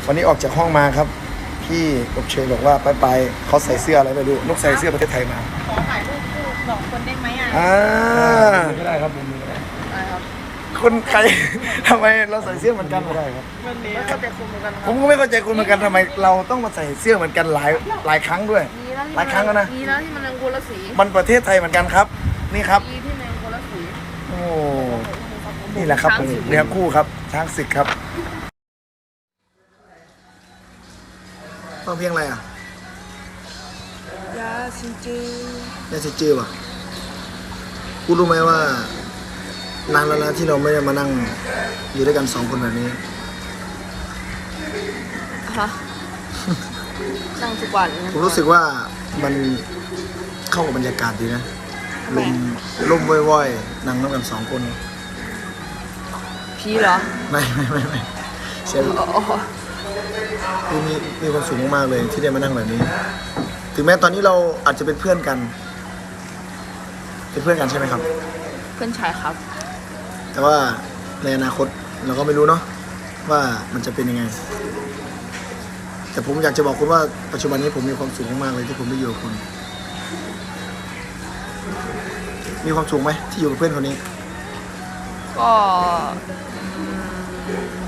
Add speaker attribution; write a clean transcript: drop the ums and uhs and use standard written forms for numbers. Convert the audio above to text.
Speaker 1: วันนี้ออกจากห้องมาครับพี่อบเชยบอกว่าไปเขาใส่เสื้ออะไรไม่รู้นกใส่เสื้อประเทศไทยมา
Speaker 2: ขอถ่ายรูปคู่สองคนได้ไหมอ่ะ
Speaker 1: ก็ได้ครับผมก็ได้
Speaker 2: ได้ครับ
Speaker 1: คนใคร ทำไมเราใส่เสื้อเหมือนกันไม่ได้ครับ
Speaker 2: วันนี้ก็จะคุมกัน
Speaker 1: ผมก็ไม่เข้าใจคุณเหมือนกันทำไมเราต้องมาใส่เสื้อเหมือนกันหลายครั้งด้วย หลายครั้งแล้วนะ
Speaker 2: มีแล้วที่มันเป็นคนละสี
Speaker 1: มันประเทศไทยเหมือนกันครับ นี่ครับ
Speaker 2: มีที่เป็นคนละสี
Speaker 1: โอ้นี่แหละครับเนื้อคู่ครับช้างศึกครับฟังเพลงอะไรอ่ะ
Speaker 2: ยาซินจือ
Speaker 1: ยาสิจื้อป่ะกูรู้ไหมว่านานแล้วนะที่เราไม่ได้มานั่งอยู่ด้วยกันสองคนแบบนี้
Speaker 2: ฮะนั่งทุกวัน
Speaker 1: ผมรู้สึกว่ามันเข้ากับบรรยากาศดีนะลมว่อยๆนั่งน้ำกันสองคน
Speaker 2: พี่เหรอ
Speaker 1: ไม่เสียง
Speaker 2: อ๋อ
Speaker 1: คือมีความสุขมากๆเลยที่ได้มานั่งแบบนี้ ถึงแม้ตอนนี้เราอาจจะเป็นเพื่อนกัน เป็นเพื่อนกันใช่ไหมครับ
Speaker 2: เพื่อนชายครับ
Speaker 1: แต่ว่าในอนาคตเราก็ไม่รู้เนาะว่ามันจะเป็นยังไง แต่ผมอยากจะบอกคุณว่าปัจจุบันนี้ผมมีความสุขมากๆเลยที่ผมได้อยู่กับคุณ มีความสุขไหมที่อยู่กับเพื่อนคนนี้
Speaker 2: ก็